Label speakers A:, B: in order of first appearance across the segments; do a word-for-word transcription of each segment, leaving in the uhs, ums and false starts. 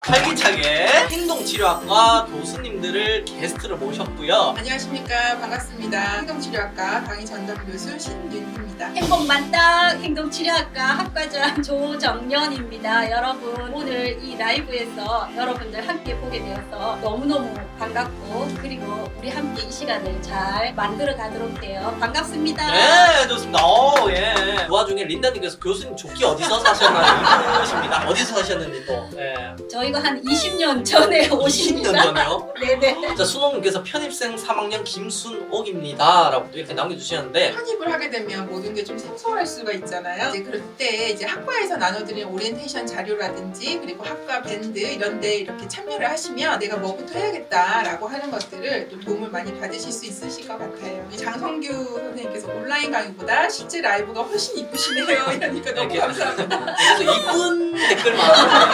A: 활기차게 행동치료학과 교수님들을 게스트로 모셨고요.
B: 안녕하십니까. 반갑습니다. 행동치료학과 강의 전담 교수 신윤희입니다.
C: 행복 만땅 행동치료학과 학과장 조정연입니다. 여러분 오늘 이 라이브에서 여러분들 함께 보게 되어서 너무너무 반갑고 그리고 우리 함께 이 시간을 잘 만들어 가도록 해요. 반갑습니다.
A: 네, 좋습니다. 어, 예. 그 와중에 린다님께서 교수님 조끼 어디서 사셨나요? 이러십니다. 어디서 사셨는지 또. 예.
C: 저희가 한 이십 년 전에
A: 이십 년
C: 오십니다.
A: 전에요?
C: 네네.
A: 자, 순옥님께서 편입생 삼 학년 김순옥입니다. 라고 또 이렇게 남겨주시는데.
B: 편입을 하게 되면 모든 게 좀 생소할 수가 있잖아요. 이제 그럴 때 이제 학과에서 나눠드리는 오리엔테이션 자료라든지 그리고 학과 밴드 이런 데 이렇게 참여를 하시면 내가 뭐부터 해야겠다라고 하는 것들을 또 도움을 많이 받으실 수 있으실 것 같아요. 이 장성규 선생님께서 온라인 강의보다 실제 라이브가 훨씬 이쁘시네요. 이러니까 너무
A: 이렇게.
B: 감사합니다.
A: 그래서 이쁜 댓글만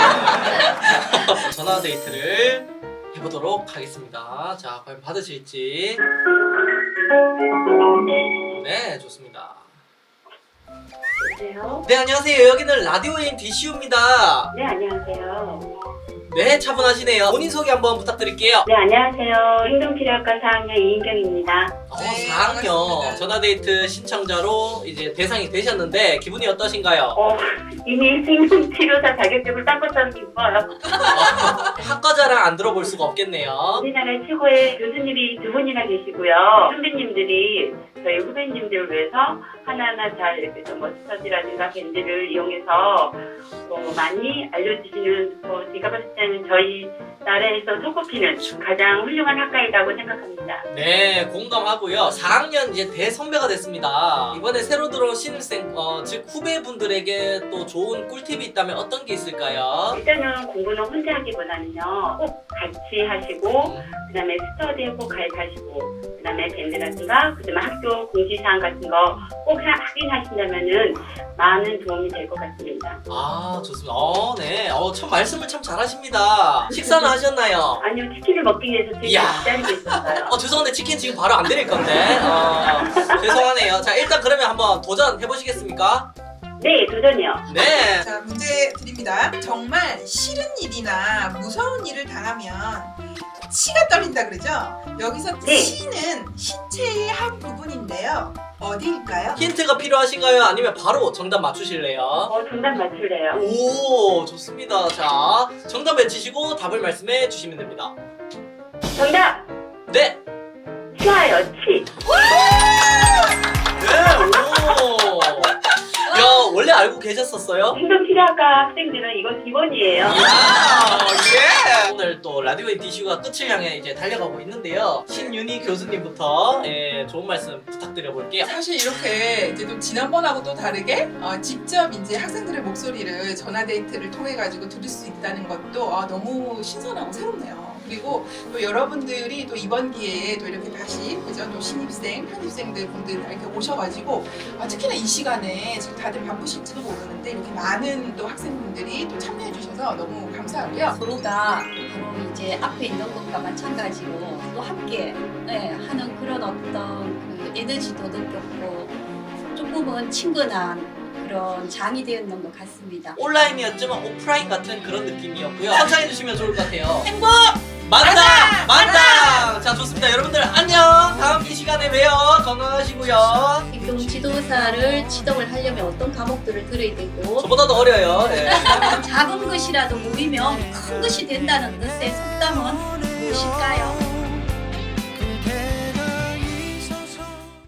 A: 전화 데이트를 해보도록 하겠습니다. 자, 과연 받으실지. 네, 좋습니다.
D: 여보세요?
A: 네, 안녕하세요. 여기는 라디오인 디씨유입니다.
D: 네, 안녕하세요.
A: 네, 차분하시네요. 본인 소개 한번 부탁드릴게요.
D: 네, 안녕하세요. 행동치료학과 사 학년 이인경입니다.
A: 어,
B: 네,
A: 사 학년
B: 반갑습니다.
A: 전화데이트 신청자로 이제 대상이 되셨는데 기분이 어떠신가요?
D: 어, 이미 행동치료사 자격증을 딴 것처럼 기뻐요.
A: 어, 학과자랑 안 들어볼 수가 없겠네요.
D: 우리나라 최고의 교수님이 두 분이나 계시고요. 선배님들이 저희 후배님들을 위해서 하나하나 잘 이렇게 좀 머스터디라든가 밴드를 이용해서 어, 많이 알려주시는 어, 제가 봤을 때는 저희 나라에서 손꼽히는 가장 훌륭한 학과이라고 생각합니다.
A: 네, 공감하고요. 사 학년 이제 대선배가 됐습니다. 이번에 새로 들어온 신입생, 어, 즉 후배분들에게 또 좋은 꿀팁이 있다면 어떤 게 있을까요?
D: 일단은 공부는 혼자 하기보다는요, 꼭 같이 하시고, 그 다음에 스터디에 꼭 가입하시고, 그 다음에 밴드라든가, 그 다음에 학교 공지사항 같은 거 꼭 확인하신다면은 많은 도움이 될 것 같습니다.
A: 아, 좋습니다. 어, 네. 어, 참 말씀을 참 잘하십니다. 식사는 하셨나요?
D: 아니요, 치킨을 먹기 위해서 지금
A: 이야.
D: 기다리고 있었어요.
A: 어, 죄송한데 치킨 지금 바로 안 드릴 건데. 어, 죄송하네요. 자, 일단 그러면 한번 도전해보시겠습니까?
D: 네, 도전이요.
A: 네.
B: 자, 문제 드립니다. 정말 싫은 일이나 무서운 일을 당하면 치가 떨린다 그러죠? 여기서
D: 네.
B: 치는 신체의 한 부분인데요. 어디일까요?
A: 힌트가 필요하신가요? 아니면 바로 정답 맞추실래요?
D: 어, 정답 맞출래요.
A: 오, 좋습니다. 자, 정답 외치시고 답을 말씀해 주시면 됩니다.
D: 정답!
A: 네.
D: 치아요, 치.
A: 네, 오. 야, 원래 알고 계셨었어요?
D: 행동치료학과 학생들은 이거 기본이에요.
A: 이야, 예. 오늘 또 라디오의 디슈가 끝을 향해 이제 달려가고 있는데요. 신윤희 교수님부터 예, 좋은 말씀 부탁드려 볼게요.
B: 사실 이렇게 이제 또 지난번하고 또 다르게 어, 직접 이제 학생들의 목소리를 전화 데이트를 통해 가지고 들을 수 있다는 것도 아, 너무 신선하고 새롭네요. 그리고 또 여러분들이 또 이번 기회에 또 이렇게 다시 그죠 또 신입생, 편입생들 분들 이렇게 오셔가지고 아, 특히나 이 시간에 지금 다들 바쁘실지도 모르는데 이렇게 많은 또 학생분들이 또 참여해 주셔서 너무 감사하고요.
C: 서로가 바로 이제 앞에 있는 것과 마찬가지로 또 함께 예, 하는 그런 어떤 그 에너지도 느꼈고 조금은 친근한 그런 장이 되었는 것 같습니다.
A: 온라인이었지만 오프라인 같은 그런 느낌이었고요. 선창해 주시면 좋을 것 같아요.
C: 행복!
A: 만당! 만당! 자, 좋습니다. 여러분들 안녕! 다음 이 시간에 봬요. 건강하시고요.
C: 행동 지도사를 지도를 하려면 어떤 과목들을 들어야 되고
A: 저보다도 어려요. 예.
C: 작은 것이라도 모이면 큰 것이 된다는 뜻의 속담은 무엇일까요?